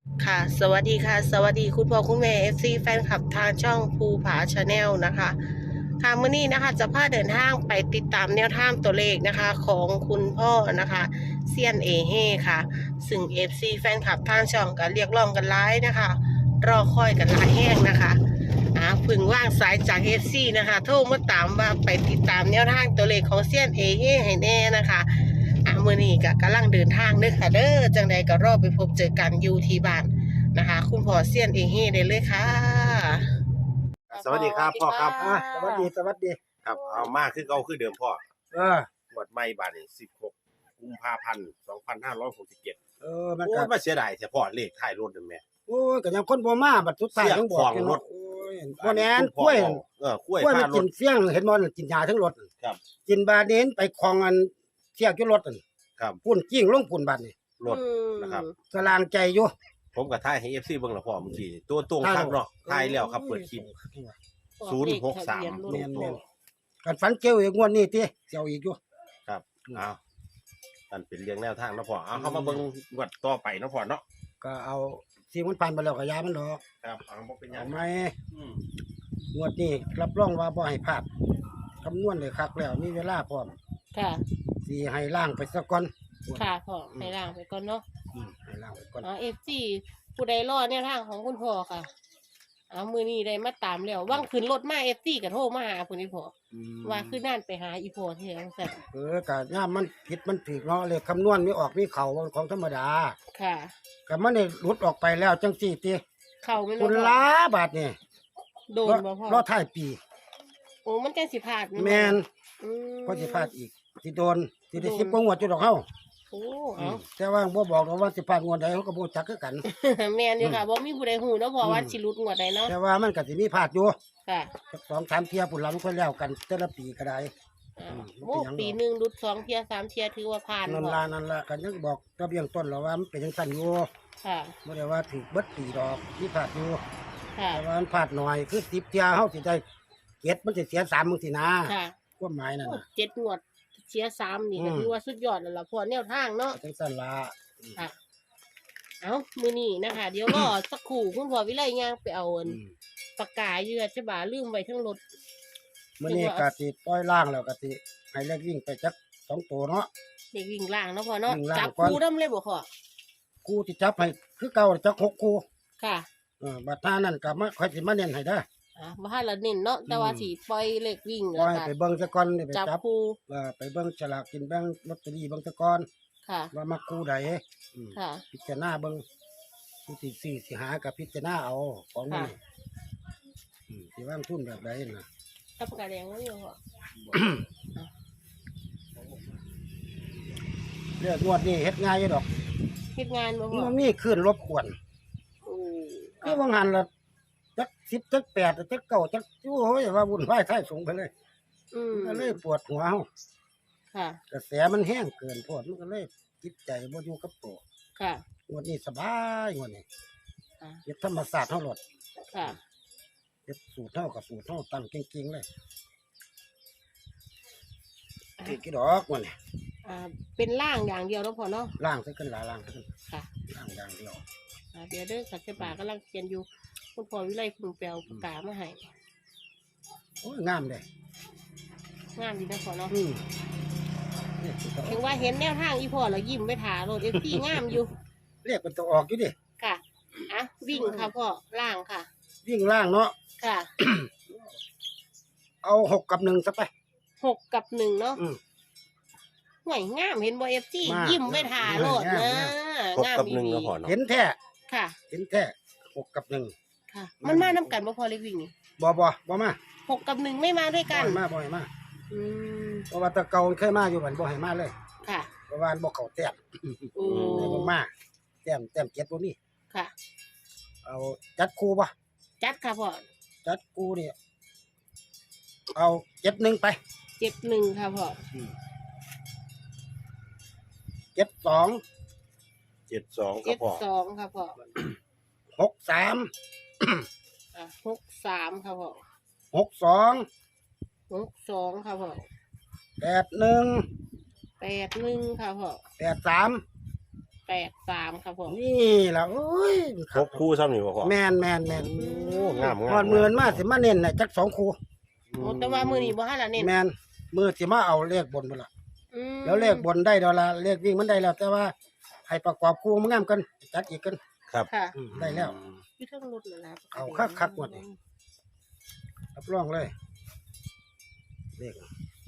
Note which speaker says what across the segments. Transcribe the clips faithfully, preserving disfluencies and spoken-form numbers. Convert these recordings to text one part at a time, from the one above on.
Speaker 1: ค่ะสวัสดีค่ะสวัสดีคุณพ่อคุณแม่ เอฟ ซี แฟนคลับทางช่องภูผาชาแนลนะคะค่ะมื้อนี้นะคะจะพาเดินทางไปติดตามแนวทางตัวเลขนะคะของคุณพ่อนะคะเซียนเอเฮค่ะซึ่ง เอฟ ซี แฟนคลับทางช่องก็เรียกร้องกันหลายนะคะรอคอยกันหลายแห้งนะคะอ่าพึ่งว่างสายจาก เอฟ ซี นะคะโทรมาตามว่าไปติดตามแนวทางตัวเลขของเซียนเอเฮให้แน่นะคะอ่ามื้อนี้ก็กำลังเดินทางเด้อค่ะเด้อจังใดก็รอไปพบเจอกันอยู่ที่บ้านนะคะคุณพ่อเซียนเอเฮได้เลยค่ะ
Speaker 2: สวัสดีครับพ่อครับ
Speaker 3: อ่ะสวัสดีสวัสดี
Speaker 2: ครับเอามาคือเก่าคือเดิมพ่อ
Speaker 3: เออ
Speaker 2: หมวดไม่บาทนี่สิบหกกุมภาพันธ์สองพันห้าร้อยหกสิบเจ็ด
Speaker 3: เออมัน
Speaker 2: โอ้
Speaker 3: ก็
Speaker 2: ยมาเสียดายแต่พ่อเลขท้ายรถนั่นแม่
Speaker 3: โอ้ยก็ยังคนบ่มาบัดสุดท้าย
Speaker 2: เสีย
Speaker 3: ต้องบ
Speaker 2: ข
Speaker 3: อ
Speaker 2: อก ง
Speaker 3: กัน
Speaker 2: ร
Speaker 3: เนาะ
Speaker 2: ถ
Speaker 3: โอ้ยบ่แน่น
Speaker 2: คุณพ่
Speaker 3: กล้วย
Speaker 2: บอกเออกล้วย
Speaker 3: กล้วย
Speaker 2: พา
Speaker 3: มัน
Speaker 2: ร
Speaker 3: กิ
Speaker 2: ถ
Speaker 3: นเฟี้ยงเห็นบ่กินยาทั้งรถ
Speaker 2: ครับ
Speaker 3: กินบาดเน้นไปคลองอันเที่ยวอยู่รถนั่น
Speaker 2: ครับ
Speaker 3: พุ่นกิ้งลงพุ่นบัดนี่
Speaker 2: รถนะครับ
Speaker 3: สลางใจอยู่
Speaker 2: ผมกับท้ายให้ เอฟ ซี เบิ่งและพ่อเมื่อกี้นี่ตัวตรงคักเนาะท้ายแล้วครับเปิดคลิป ศูนย์หกสาม
Speaker 3: แม่นๆกันฝันเกี่ยวอีกงวดนี้ติเกี่ยวอีกอยู่
Speaker 2: ครับเอาอันเป็นเรื่องแนวทางเนาะพ่อเอาเข้ามาเบิ่งงวดต่อไปเนาะพ่อเนาะ
Speaker 3: ก็เอาที่มันผ่านไปแล้วก็ยามันดอก
Speaker 2: ครับเอาบ่เป็นหยั
Speaker 3: เอา
Speaker 2: ง
Speaker 3: ไหม
Speaker 2: อืม
Speaker 3: งวดนี้รับรองว่าบ่ให้พลาดคำนวณได้คักแล้วมีเวลาพร้อม
Speaker 1: ค่ะ
Speaker 3: สิให้ล่างไปซะก่อน
Speaker 1: ค่ะพ่อให้ล่างไปก่อนเนาะ
Speaker 3: อืมให้ล่างไปก่อน
Speaker 1: อ๋อเอฟซีผู้ใดรอแนวทางของคุณพ่อค่ะเอามือนี้ได้มาตามแล้วว่างขึ้นรถมาเอฟซีก็โทรมาหาคุณอีพ่อ
Speaker 3: อืม
Speaker 1: ว่าคือนั่นไปหาอีพ่อที่ไหนสั่น
Speaker 3: เออกะย่ามมันผิดมันถูกเนาะเลขคำนวณมีออกมีเข่าของธรรมดา
Speaker 1: ค่ะ
Speaker 3: ก็มันได้หลุดออกไปแล้วจังสี่ติ
Speaker 1: เข้าไม่
Speaker 3: คุณ
Speaker 1: รู้
Speaker 3: ล้าบาทนี่
Speaker 1: โดนบ่พ่อ
Speaker 3: รอท้ายปี
Speaker 1: โอ้มันจังสิพลาด
Speaker 3: แม่น
Speaker 1: อืม
Speaker 3: ก็สิพลาดอีกสิโดนสิได้
Speaker 1: โดน
Speaker 3: สิบกว่างวดจุดดอกเฮา
Speaker 1: โอ้
Speaker 3: อื
Speaker 1: เอา
Speaker 3: มแต่ว่าบ่บอกหรอกว่าสิพลาดงวดใดเฮาก็บ่จักคือกัน
Speaker 1: แม่นอยู่ค่ะบ่มีผู้ใดฮู้เนาะเพราะว่า
Speaker 3: อืม
Speaker 1: สิหลุดงวดใดเนาะ
Speaker 3: แต่ว่ามันก็สิมีพลาดอยู่
Speaker 1: ค่ะ
Speaker 3: สักสองสามเที่ยพุ่นหลังค่อยแล้วกันแต่ละปีก็ได้
Speaker 1: อ่า
Speaker 3: อืม
Speaker 1: โอ้ปีหนึงหลุดสองเที่ยสามเที่ยถือว่าผ่าน
Speaker 3: นั่น
Speaker 1: พ่อ
Speaker 3: ล่ะนั่นล่ะก็ยังบอกตะเบียงต้นแล้วว่ามันเป็นจังซั่นอยู่
Speaker 1: ค่ะ
Speaker 3: บ่ได้ว่าถูกเบิดปีดอกมีพลาดอยู่
Speaker 1: ค่ะ
Speaker 3: แต่ว่ามันพลาดหน่อยคือสิบเที่ยเฮาสิได้เจ็ดมันสิเสียสามมึงสินะ
Speaker 1: ค่ะ
Speaker 3: ความหมายนั่น
Speaker 1: โอ้
Speaker 3: น่ะ
Speaker 1: เจ็ดงวดเสียสามนี่ก็
Speaker 3: อืม
Speaker 1: ถือว่าสุดยอดแล้วล่ะพ่อแนวทางเนาะ
Speaker 3: จังซั่นล่ะ
Speaker 1: ค่ะ เอามือนี้นะคะ เดี๋ยวรอ สักครู่คุณพ่อวิไลย่างไปเอาอัน
Speaker 3: อืม
Speaker 1: ปากกาเยือดใช่บ่าลืมไว้ทั้งรถ
Speaker 3: มื้อนี้ก็สิปล่อยล่างแล้วก็สิให้เลขวิ่งไปจักสองตัวเนาะ
Speaker 1: เด็กวิ่งล่างเนาะพ่อเนาะ
Speaker 3: วิ่งล่าง
Speaker 1: จับ
Speaker 3: ก่อน
Speaker 1: คู่น้ำเลยบ่พ่อ
Speaker 3: คู่ที่จับให้คือเก่าจักหกคู่
Speaker 1: ค่ะ
Speaker 3: เออบัดท่านั้นก็มาค่อยสิมาเน้นให้เด้อ
Speaker 1: อ่ะบ่ทันละเน้นเนาะแต่ว่า
Speaker 3: อืม
Speaker 1: สิปล่อยเลขวิ่ง
Speaker 3: ปล่
Speaker 1: แล้ว
Speaker 3: อย
Speaker 1: ก็
Speaker 3: ไปเบิ่งซะก่อนนี่ไป
Speaker 1: จับ
Speaker 3: จับ
Speaker 1: คู่
Speaker 3: เออไปเบิ่งฉลากกินแบ่งลอตเตอรี่เบิ่งซะก่อน
Speaker 1: ค่ะ
Speaker 3: ว่ามาคู่ใดอืม
Speaker 1: ค่ะ
Speaker 3: พิจารณาเบิ่งผู้ที่ซื้อสิหากับพิจารณาเอาของมัน
Speaker 1: ค่ะ
Speaker 3: อืมสิวางทุนแบบใดน่ะ
Speaker 1: ถ้าปากกาแดงแล้วอยู่พ่อ
Speaker 3: เลือกงวดนี้เฮ็ดง่ายอยู่ดอก
Speaker 1: เฮ็ดงานบ่พ่อ
Speaker 3: มันมีคลื่นรบกวน
Speaker 1: โอ้
Speaker 3: คือว่างหันละจักสิบจักแปดจักเก้าจักโอ้ยว่าวุ่นวายท้ายสูงไปเลย
Speaker 1: อืม
Speaker 3: มันก็เลยปวดหัวเฮา
Speaker 1: ค่ะ
Speaker 3: กระแสมันแห้งเกินโพดมันก็เลยจิตใจบ่อยู่กับตัว
Speaker 1: ค่ะ
Speaker 3: งวดนี้สบายงวดนี้
Speaker 1: ค่ะ
Speaker 3: เฮ็ดธรรมศาสตร์เฮาโลด
Speaker 1: ค่ะ
Speaker 3: เฮ็ดสูตรเฮากับสูตรเฮาตั้งเก่งๆเลยเก่งกี่ดอกมันนี่
Speaker 1: อ่าเป็นล่างอย่างเดียวแล้วพอเนาะ
Speaker 3: ล่างซะขึ้นหลายล่างซะขึ้น
Speaker 1: ค่ะ
Speaker 3: ล่างอย่างเดียว
Speaker 1: อ่าเดี๋ยวเด้อสัจจปากำลังเขียนอยู่คุณพ่อวิไลเพึ่งแปลปากกามาให้
Speaker 3: โอ้ยงามเด้
Speaker 1: งามดีนะพ่อเนาะ
Speaker 3: อืมนี่สิก็
Speaker 1: ถึงว่าเห็นแนวทางอีพ่อแล้วยิ้มไปถาโรดเอฟซีงามอยู่
Speaker 3: เรียกมันตัวออกอยู่ดิ
Speaker 1: ค่ะอ่ะวิ่งค่ะพ่อล่างค่ะ
Speaker 3: วิ่งล่างเนาะ
Speaker 1: ค่ะ
Speaker 3: เอาหกกับหนึ่งซะไป
Speaker 1: หกกับหนึ่งเนาะ
Speaker 3: อืม
Speaker 1: ห่วยงามเห็นบ่เอฟซี
Speaker 3: มาก
Speaker 1: ยิ้มไปถาโรดนะ
Speaker 2: ครบ
Speaker 1: งาม
Speaker 2: กับหนึ่ง
Speaker 1: ดี
Speaker 2: แล้วพ่อเนาะ
Speaker 3: เห็นแท้
Speaker 1: ค่ะ
Speaker 3: เห็นแท้หกกับหนึ่ง
Speaker 1: ค่ะ มันมาน้ำกันบ่พอเล็กวิ่งนี่
Speaker 3: บ่บ่บ่มา
Speaker 1: หกกับหนึ่งไม่มาด้วย
Speaker 3: บ่
Speaker 1: กัน
Speaker 3: ให้มาบ่ให้มา
Speaker 1: อืม
Speaker 3: เพราะว่าแตะเก่าเคยมาอยู่บันบ่ให้มาเลย
Speaker 1: ค่ะ
Speaker 3: เพราะว่าบ่เข้าแต้ม
Speaker 1: โอ้
Speaker 3: เลยบ่มาแต้มแต้มเจ็ดบ่มี
Speaker 1: ค่ะ
Speaker 3: เอาจัดคู่บ่
Speaker 1: จัดค่ะพ่อ
Speaker 3: จัดคู่นี่เอาเจ็ดหนึ่งไป
Speaker 1: เจ็ดหนึ่งค่ะพ่อ
Speaker 3: เจ็ดสอง
Speaker 2: เจ็ดสองครั
Speaker 1: เจ็
Speaker 2: บ
Speaker 1: ด
Speaker 2: พ่อ
Speaker 1: สองค่ะพ่อ
Speaker 3: หกสาม
Speaker 1: อ่ะหกสามค่ะพ่อ
Speaker 3: หกสอง
Speaker 1: หกสองค่ะพ่อ
Speaker 3: แปดหนึ่ง
Speaker 1: แปดหนึ่งค่ะพ่อ
Speaker 3: แปดสาม
Speaker 1: แปแปดสามครับผม
Speaker 3: นี่ล่ะโอ้ย
Speaker 2: ครบคู่ซ้ำนี่บ่พ่อ
Speaker 3: แม่นแม่นแม่น
Speaker 2: โอ้งามงาม
Speaker 3: ฮอดมื้อมาสิมาเน้นน่ะจักสองคู่
Speaker 1: โอ้แต่ว่ามือนี้บ่ฮั่นล่ะเน้น
Speaker 3: แม่นมื้อสิมาเอาเลขบนพุ่นล่ะ
Speaker 1: อืม
Speaker 3: แล้วเลขบนได้ดอกละเลขวิ่งมันได้แล้ว แต่ว่าให้ประกอบคู่มันงามกันจัดอีกกัน
Speaker 2: ครับ
Speaker 1: ค่ะ
Speaker 3: อืมได้แล้ว
Speaker 1: อยู่เทั้งรถนั่นล่ะ
Speaker 3: เอาคักๆหมดนี่ รับรองเลยเลข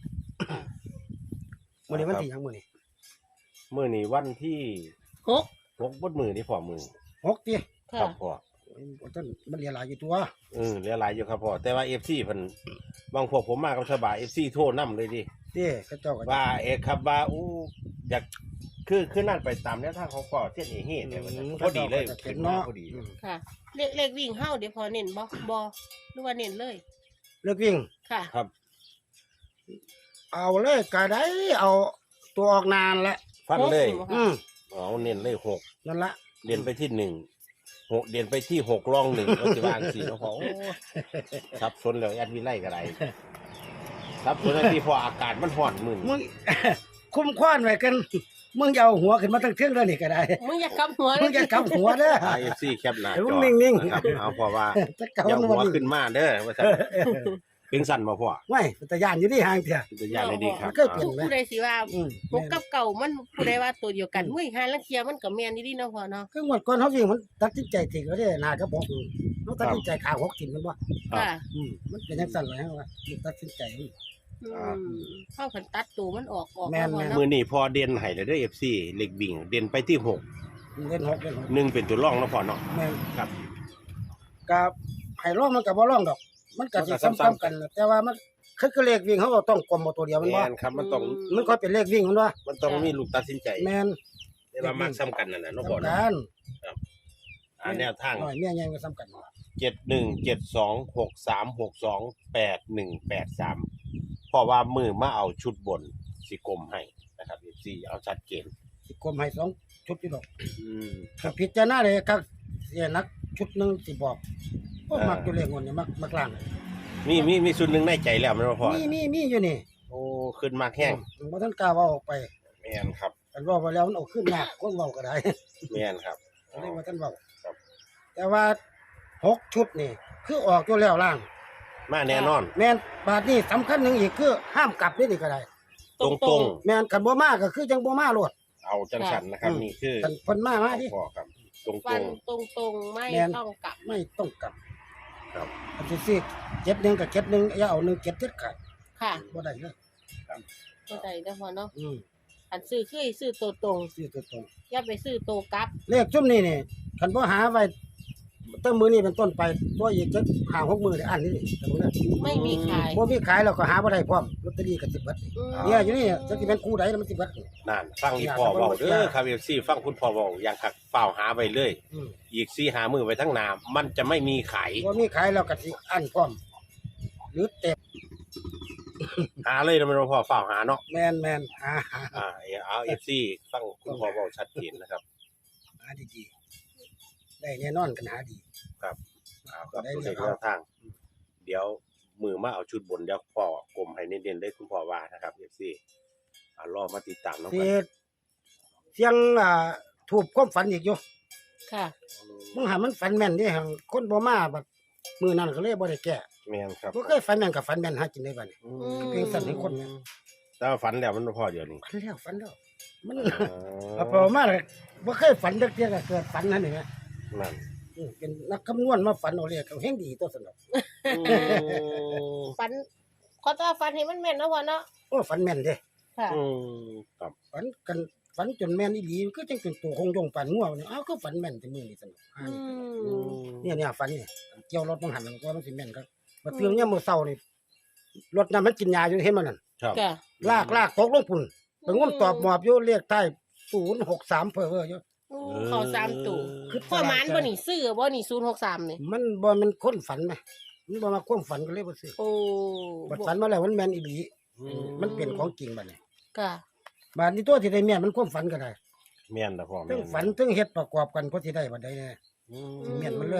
Speaker 3: มื้อนี้วันที่หยังมื้อนี้
Speaker 2: มื้อนี้วันที่
Speaker 1: หก
Speaker 2: หกบดมือนี่พ่อมือ
Speaker 3: หกติ
Speaker 2: ครั
Speaker 1: ค่ะ
Speaker 2: บพ่อ
Speaker 3: โอ้ยบ่ทันมันเหลือหลายอยู่ตัว
Speaker 2: เออเหลือหลายอยู่ครับพ่อแต่ว่า เอฟ ซี เพิ่นบางพวกผมมากับฉบา เอฟ ซี โทรนำเลยดิ
Speaker 3: เต้เขาเจ้าก็
Speaker 2: ว่าเอกครับว่าอู้อยากคือคือนั่นไปตามแนวทางของพ่อเช่นเอเฮ็ดเนี่ยว่าซั่นพอดีเลย
Speaker 3: เห็
Speaker 2: ขึ้
Speaker 3: น
Speaker 2: นมา
Speaker 3: เนาะ
Speaker 2: พอดี
Speaker 3: อืม
Speaker 1: ค่ะ เลขเลขวิ่งเฮาเดี๋ยวพอเน้นบ่บ่หรือว่าเน้นเลย
Speaker 3: เลขวิ่ง
Speaker 1: ค่ะ
Speaker 2: ครับ
Speaker 3: เอาเลยก็ได้เอาตัวออกนานละ
Speaker 2: ฟันเลย
Speaker 1: หก
Speaker 3: อืม
Speaker 2: เอาเน้นเลยหก
Speaker 3: นั่นละ
Speaker 2: เด่นไปที่หนึ่งหกเด่นไปที่หกรองหนึ่งก็จะวางสี่เนาะพ่อโอ้ซับซ้อนแล้วแอดวิไลก็ได้ซับซ้อนแล้วที่พออากาศมันร้อนมึน
Speaker 3: มึง คุ้มคว้านไว้กัน มึงอย่าเอาหัวขึ้นมาตั้งเที่ยงแล้วนี่ก็ได้
Speaker 1: มึงอย่ากำหัว
Speaker 3: มึงอย่ากำหัวเด้อ
Speaker 2: ไอเอฟซีแคปหน้า
Speaker 3: เดี๋ยว
Speaker 2: จ
Speaker 3: มึ
Speaker 2: อง
Speaker 3: นิ่งๆ
Speaker 2: นะครับเอาพอว่า
Speaker 3: จะ
Speaker 2: อย่า
Speaker 3: เกำ
Speaker 2: หัว
Speaker 3: วัน
Speaker 2: ขึ้นมาเด้อว่าซั่นเป็นสั่นบ่พ่อ
Speaker 3: ไม่แต่ย่านอยู่ที่ห่างเถอะ
Speaker 2: จะย่านได้ดีครับ
Speaker 3: มันเคยเปลี่ยน
Speaker 1: ผู้ใดสิว่า
Speaker 3: อืม
Speaker 1: หกกับเก่ามันผู้ใดว่าตัวเดียวกันมุ้ยหาลังเทียมันก็แม่นดีๆเนาะพ่อเนาะ
Speaker 3: คือหมดก่อนเขาวิ่งมันตัดสินใจถึงก็ได้หนากับบอกเขาตัดสินใจขาหกถิ่นมันว่า
Speaker 1: ค่ะ
Speaker 3: อืมมันเป็นยังสั่นเลยฮะว่ามันตัดสินใจ
Speaker 1: อืมเข้ากันตัดตัวมันออกออก
Speaker 3: แม่น
Speaker 1: ล้ว
Speaker 3: แม่น
Speaker 1: เนาะ
Speaker 2: มือนี้พอเด่นให้เลยเด้อ เอฟ ซี เล็กบิ่งเด่นไปที่หก
Speaker 3: เล่นหกเล่นหก
Speaker 2: หนึ่งเป็นตัวรองเนาะพ่อเนาะ
Speaker 3: แม่น
Speaker 2: ครับ
Speaker 3: กับไผ่ร่องมันกับบ่ร่องดอก มันก็สิ
Speaker 2: มันก็ซ้ำๆ
Speaker 3: ซ้ำๆกันน่ะแต่ว่ามันคือคือเลขวิ่งเขาก็ต้องกลมเอาตัวเดียวมัน
Speaker 2: แม่
Speaker 3: ว่าน
Speaker 2: ครับมันต้อง
Speaker 3: มันค่อยเป็นเลขวิ่งมันว่า
Speaker 2: มันต้องมีลูกตัดสินใจ
Speaker 3: แม่น
Speaker 2: แต่ว่ามักซ้ำกันนั่นน่ะเนาะพ่อ
Speaker 3: สำ
Speaker 2: เนาะ
Speaker 3: คัญ
Speaker 2: อ่าแนวทาง
Speaker 3: หน่อยเมียใหญ่ก็ซ้ำกัน
Speaker 2: เจ็ดหนึ่งเจ็ดสองหกสามหกสองแปดหนึ่งแปดสามเพราะว่ามือมาเอาชุดบนสิกลมให้นะครับ เอฟ ซี เอาชัดเจน
Speaker 3: สิกลมให้สองชุดอยู่ดอก
Speaker 2: อืม
Speaker 3: ถ้าพิจารณาเลยครับเสียนักชุดหนึงสิบอกโอ้
Speaker 2: อ่ามั
Speaker 3: มักอยู่เลขงวดนี่มักมักล่าง
Speaker 2: มีมีมีส่วนหนึ่งในใจแล้วแมันบ่พ่อ
Speaker 3: มีมีมีอยู่นี่
Speaker 2: โอ้ขึ้นมากแห้ง
Speaker 3: อืมบ่ทันกล้าเว้าออกไป
Speaker 2: แม่นครับ
Speaker 3: อันเว้าไปแล้วมันเอาขึ้นยากคนเว้าก็ได้
Speaker 2: แม่นครับ
Speaker 3: ก็เลยบ่ทันเว้า
Speaker 2: ครับ
Speaker 3: แต่ว่าหกชุดนี่คือออกตัวแล้วล่าง
Speaker 2: มาแน่นอน
Speaker 3: แม่นบาทนี้สำคัญหนึงอีกคือห้ามกลับนี่นี่ก็ได้
Speaker 2: ตรงตรง
Speaker 3: แม่นคันบ่มาก็คือจังบ่มาโลด
Speaker 2: ๆเอาจังสันนะครับ
Speaker 3: อืม
Speaker 2: นี่คือ
Speaker 3: คันเพิ่นมามาดิ
Speaker 2: พ่อครับ ตรงต
Speaker 1: ฟั
Speaker 2: ร
Speaker 1: น
Speaker 2: ง
Speaker 1: ตรงตรงๆไม่
Speaker 3: แม่น
Speaker 1: ต้องกลับ
Speaker 3: ไม่ต้องกลับ
Speaker 2: ครับ
Speaker 3: อันที่สี่เจ็ดหนึ่งกับเจ็ดหนึ่งอย่าเอาหนึ่งเจ็ดเจ็ดขาด
Speaker 1: ค่ะ
Speaker 3: บ่ได้เลย
Speaker 1: เข้าใจเด้อพ่อเนาะ
Speaker 3: อืม
Speaker 1: อันซื้อคือซื้อตัวตรง
Speaker 3: ซื้อตัวตรง
Speaker 1: อย่าไปซื้อตัวกลับ
Speaker 3: เลขจุ่มนี่นี่คันบ่หาไว้ตั้งมือนี้เป็นต้นไปตัวอีกจะหาหกมือได้อันนี้นี่แต่บ่ได้
Speaker 1: ไม่มีขาย
Speaker 3: บ่มีขายแล้วก็หาบ่ได้พร้อมลอตเตอรี่ก็สิบเบิด
Speaker 1: อืม
Speaker 3: เนี่ยอยู่นี่จะสิเป็นคู่ใดแล้วมันสิเบิด
Speaker 2: นั่นฟังอีพ่อเว้าเด้อครับ เอฟ ซี ฟังคุณพ่อเว้าอย่างคักเฝ้าหาไว้เลย
Speaker 3: อืม
Speaker 2: อีกสี่หามือไว้ทั้งหน้ามันจะไม่มีขาย
Speaker 3: บ่มีขายแล้วก็สิอันพร้อม หรือเต็ม
Speaker 2: หาเลยนะแมันบ่พ่อเฝ้าหาเนาะ
Speaker 3: แม่นแม่นหาหา
Speaker 2: อ่าเอา เอฟ ซี ฟังคุณพ่อเว้าชัดเจนนะครับ
Speaker 3: หาดีๆได้แน่นอนกันหาดี
Speaker 2: เอาครับตัวเลขแนวทาง เดี๋ยวมือมาเอาชุดบนเดี๋ยวพ่อกลมให้เน้นๆได้คุณพ่อว่านะครับ เอฟ ซี อ่ารอมาติดตามน้อง
Speaker 3: สิ
Speaker 2: กัน
Speaker 3: เสียงอ่าถูกความฝันอีกอยู่
Speaker 1: ค่ะ
Speaker 3: มึงหามันฝันแม่นเด้หั่นคนบ่มาบัดมื้อนั้นก็เลยบ่ได้แก้
Speaker 2: แม่นครับ
Speaker 3: บ่เคยฝันแม่นกับฝันแม่นหากินได้บัดนี้
Speaker 2: อื
Speaker 3: เพียงสั่นให้คนแม่น
Speaker 2: แต่ว่าฝันแล้วมันบ่พอเดี๋ยวนี้
Speaker 3: ฝันแล้วฝันแล้วมัน
Speaker 2: อ๋
Speaker 3: เอา
Speaker 2: อ
Speaker 3: พอมาเลยบ่เคยฝันจักเที่ยก็เกิดฝันนั่นนี่แหม
Speaker 2: นั่น
Speaker 3: อืมเป็นนักคำนวณมาฝันเอาเลขเอาแฮงดีตัวสนดอก
Speaker 1: ฟันขอต้อนฟันให้มันแม่นเนาะพ่อเนาะ
Speaker 3: โอ้ฝันแม่นเด้
Speaker 1: ค่ะ
Speaker 2: อืมครับ
Speaker 3: ฝันกันฝันจนแม่นอีหลีก็จังเป็นตัวคงยงฝันงัวนี่อ้าวก็ฝันแม่นแต่มื้อนี้สนดอกอ่า
Speaker 1: อื
Speaker 3: นี่
Speaker 1: ม
Speaker 3: เนี่ยเนี่ยฝันนี่เกี่ยวรถมันหันมันก็มันสิแม่นครับมาตื่นยามมื้อเช้านี่รถนั้นมันกินยาอยู่เห็นมันนั่น
Speaker 2: ครับ
Speaker 1: ค่ะ
Speaker 3: ลากลากตกลงพุ่นไปงมตอบหมอบอยู่เลขใต้ศูนย์หกสามเพ้อเพ้ออยู่
Speaker 1: โอ้เขาสามตู่
Speaker 3: คือ
Speaker 1: พ่อหมานบ่นี่ซื้อบ่นี่ศูนย์หกสามนี่
Speaker 3: มันบ่มันคนฝันไหมมันบ่มาความฝันก็เลยบ่ซื้อ
Speaker 1: โอ้
Speaker 3: บัดฝันมาแล้วมันแม่นอีหลี
Speaker 2: อื
Speaker 3: มันเป็นของจริงบัดนี้
Speaker 1: ค่ะ
Speaker 3: บัดนี้ตัวที่ได้แม่นมันความฝันก็ได้
Speaker 2: แม่นนะพ่อ
Speaker 3: ทั้งฝันทั้งเฮ็ดประกอบกันก็สิได้บัดใดแน่
Speaker 2: อื
Speaker 3: เมียนมันเลย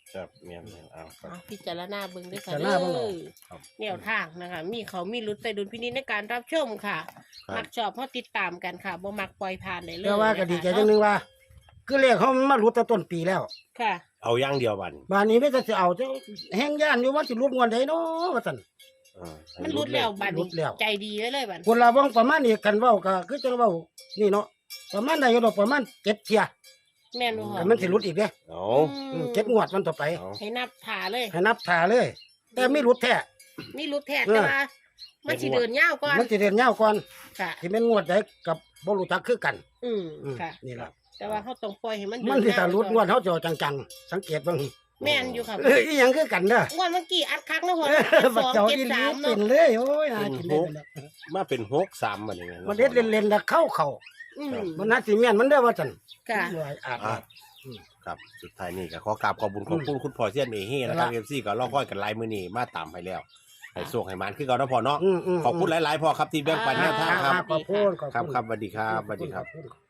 Speaker 2: ครับเมียนๆเอาครับ
Speaker 1: เอาพิจารณาเบิ่งด้วยค่ะ
Speaker 3: พิจาร
Speaker 1: เด้
Speaker 3: ณาเบิ่งเอา
Speaker 1: อ
Speaker 2: ครับ
Speaker 1: แนวทางนะคะ มีเขามีรุดใส่ดุลพินิจในการรับชมค่ะ
Speaker 2: ครับ
Speaker 1: มักชอบเพราะติดตามกันค่ะบ่มักปล่อยผ่านได้เลย
Speaker 3: แต่ว่าก็ดีใจ
Speaker 1: นะคะ
Speaker 3: จังนึงว่า คือเลขเขามาหลุดแต่ต้นปีแล้ว
Speaker 1: ค่ะ
Speaker 2: เอาอย่างเดียวบัดน
Speaker 3: บานนี้ไม่จะสิเอาจะแห้งย่านอยู่ว่าสิรุดงวดใดเนาะว่าซั่น
Speaker 2: อ่าให้
Speaker 1: มันรุดแล้วบัด
Speaker 3: รุ
Speaker 1: นี้
Speaker 3: ดแล้ว
Speaker 1: ใจดีไว้เลยบัด
Speaker 3: คนละบ้องประมาณนี้กันเว้าก็คือจังเว้านี่เนาะประมาณใดอยู่ดอกประมาณเจ็ดเที่ย
Speaker 1: แม่นบ่พ่อ
Speaker 3: แต่มันสิรุดอีกเด้
Speaker 2: เอา
Speaker 3: อืมเจ็ดงวดมันต่อไป
Speaker 2: เอา
Speaker 1: ให้นับถ่าเลย
Speaker 3: ให้นับถ่าเลย แต่ไม่รุดแท้
Speaker 1: มีรูปแทน
Speaker 3: เออ
Speaker 1: แต่ว่ามันสิเดินยาวก่อน
Speaker 3: มันสิเรียนยาวก่อน
Speaker 1: ค่ะ
Speaker 3: สิแม่นงวดใดกับบ่รู้จักคือกัน
Speaker 1: อืม
Speaker 3: อืม
Speaker 1: ค่ะ
Speaker 3: นี่ล่ะ
Speaker 1: แต่ว่าเขาต้องปล่อยให้มัน
Speaker 3: มันสิ
Speaker 1: เดิ
Speaker 3: ถ้ารุดง
Speaker 1: ก่
Speaker 3: ว
Speaker 1: อน
Speaker 3: ดเฮาจะเอาจังๆสังเกตเบิ่ง
Speaker 1: แม่นอยู่ค่ะ
Speaker 3: เอ้ยอีหยังคือกันเด้อ
Speaker 1: งวดเมื่อกี้อัดคักนะพ่อ
Speaker 3: เออ
Speaker 1: ส
Speaker 3: บัด
Speaker 1: อง
Speaker 3: เจ้า
Speaker 1: เจ็ด
Speaker 3: อีหลี
Speaker 1: สาม
Speaker 3: เป็
Speaker 1: เนาะ
Speaker 3: นเลยโอ้ยหากินได้ไปแล้ว
Speaker 2: มาเป็นหกสามบัดนี้ไง
Speaker 3: มันเด็ดเล่นๆแล้วเข้าเข้า
Speaker 1: อืม
Speaker 3: มันน่าสิแม่นมันเด้อว่าซั่น
Speaker 1: ค่ะ
Speaker 3: ว่าอาจ
Speaker 2: อ่าครับสุดท้ายนี่ก็ขอกราบขอบคุญขอบคุณคุณพ่อเสียนเอเฮ่นะครับ
Speaker 3: ครับ
Speaker 2: เอฟซีก็รอค่อยกันไลน์มื้อนี้มาตามไปแล้วให้โชคให้หมานคือเก่าเนาะพ่อเนาะ
Speaker 3: อืมๆๆ
Speaker 2: ขอบคุณหลายๆพ่อครับที่แบ่งปันแนวทางครับ
Speaker 3: ขอบคุณขอบ
Speaker 2: ครับ
Speaker 3: คุณ
Speaker 2: ครับสวัสดีครับสวัสดีครับ
Speaker 3: ขอณ